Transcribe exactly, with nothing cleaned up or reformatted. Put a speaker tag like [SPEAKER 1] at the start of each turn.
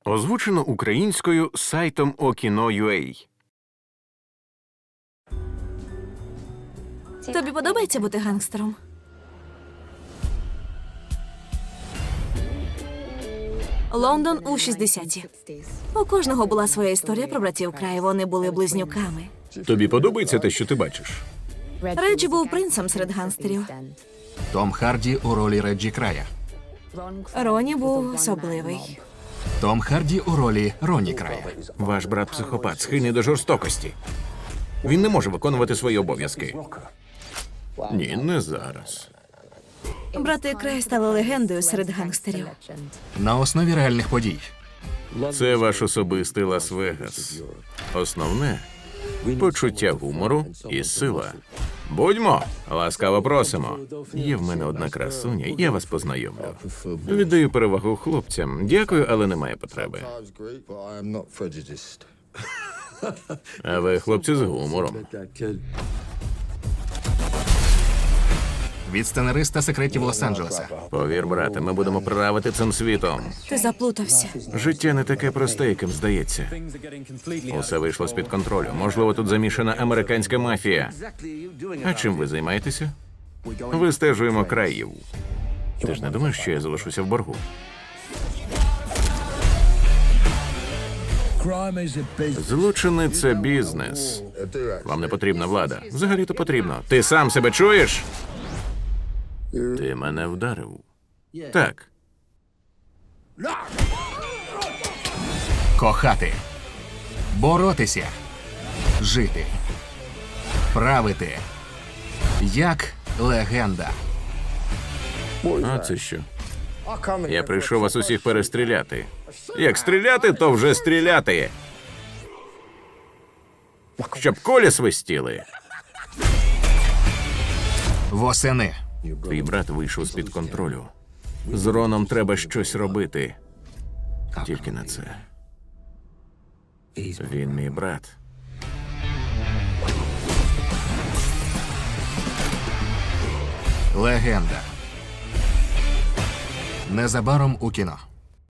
[SPEAKER 1] Озвучено українською сайтом Okino.ua.
[SPEAKER 2] Тобі подобається бути гангстером? Лондон у шістдесяті. У кожного була своя історія про братів Край. Вони були близнюками.
[SPEAKER 1] Тобі подобається те, що ти бачиш?
[SPEAKER 2] Реджі був принцем серед гангстерів.
[SPEAKER 3] Том Харді у ролі Реджі Края.
[SPEAKER 2] Роні був особливий.
[SPEAKER 3] Том Харді у ролі Роні Края.
[SPEAKER 1] Ваш брат психопат, схильний до жорстокості. Він не може виконувати свої обов'язки. Ні, не зараз.
[SPEAKER 2] Брати Край стали легендою серед гангстерів.
[SPEAKER 3] На основі реальних подій.
[SPEAKER 1] Це ваш особистий Лас-Вегас. Основне – почуття гумору і сила. Будьмо, ласкаво просимо. Є в мене одна красуня, я вас познайомлю. Віддаю перевагу хлопцям. Дякую, але немає потреби. А ви, хлопці, з гумором.
[SPEAKER 3] Від сценариста секретів Лос-Анджелеса.
[SPEAKER 1] Повір, брате, ми будемо правити цим світом.
[SPEAKER 2] Ти заплутався.
[SPEAKER 1] Життя не таке просте, яким здається. Усе вийшло з-під контролю. Можливо, тут замішана американська мафія. А чим ви займаєтеся? Вистежуємо країв. Ти ж не думаєш, що я залишуся в боргу? Злочини – це бізнес. Вам не потрібна влада. Взагалі-то потрібно. Ти сам себе чуєш? Ти мене вдарив. Так.
[SPEAKER 3] Кохати. Боротися. Жити. Правити. Як легенда.
[SPEAKER 1] А це що? Я прийшов вас усіх перестріляти. Як стріляти, то вже стріляти. Щоб колі свистіли.
[SPEAKER 3] Восени.
[SPEAKER 1] Твій брат вийшов з-під контролю. З Роном треба щось робити. Тільки на це. Він мій брат.
[SPEAKER 3] Легенда. Незабаром у кіно.